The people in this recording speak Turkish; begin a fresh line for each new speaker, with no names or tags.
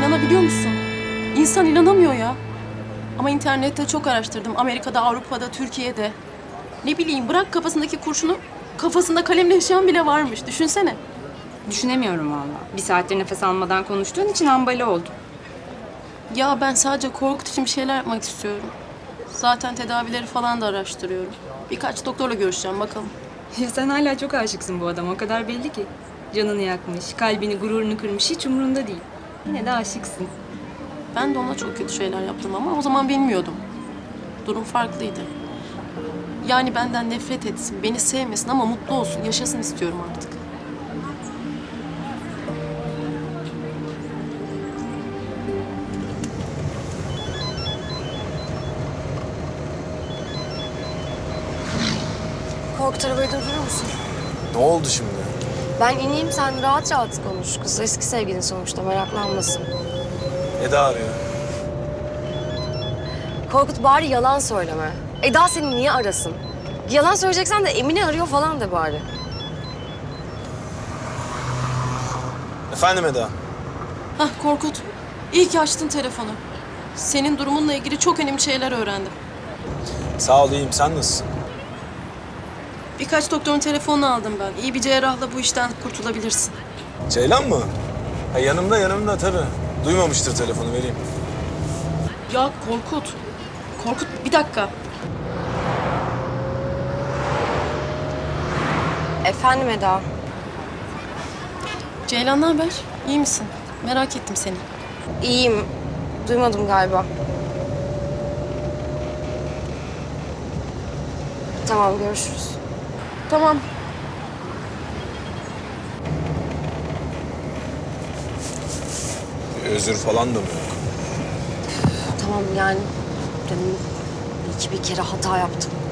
İnanabiliyor musun? İnsan inanamıyor ya. Ama internette çok araştırdım. Amerika'da, Avrupa'da, Türkiye'de. Ne bileyim bırak kafasındaki kurşunu, kafasında kalemle yaşayan bile varmış. Düşünsene.
Düşünemiyorum vallahi. Bir saattir nefes almadan konuştuğun için hambali oldum.
Ya ben sadece Korkut için bir şeyler yapmak istiyorum. Zaten tedavileri falan da araştırıyorum. Birkaç doktorla görüşeceğim bakalım.
Ya sen hala çok aşıksın bu adama. O kadar belli ki. Canını yakmış, kalbini, gururunu kırmış. Hiç umurunda değil. Yine de aşıksın.
Ben de ona çok kötü şeyler yaptım ama o zaman bilmiyordum. Durum farklıydı. Yani benden nefret etsin, beni sevmesin ama mutlu olsun, yaşasın istiyorum artık.
Korkut arabayı durdurur musun?
Ne oldu şimdi?
Ben ineyim sen rahat rahat konuş. Kız eski sevgilin sonuçta meraklanmasın.
Eda arıyor.
Korkut bari yalan söyleme. Eda seni niye arasın? Yalan söyleyeceksen de Emine arıyor falan de bari.
Efendim Eda?
Hah Korkut, iyi ki açtın telefonu. Senin durumunla ilgili çok önemli şeyler öğrendim.
Sağ ol, iyiyim. Sen nasılsın?
Birkaç doktorun telefonunu aldım ben. İyi bir cerrahla bu işten kurtulabilirsin.
Ceylan mı? Ha, yanımda tabii. Duymamıştır telefonu, vereyim.
Ya Korkut, Korkut bir dakika.
Efendim Eda.
Ceylan ne haber? İyi misin? Merak ettim seni.
İyiyim. Duymadım galiba. Tamam görüşürüz.
Tamam.
Özür falan da mı yok?
Tamam yani. Demin bir kere hata yaptım.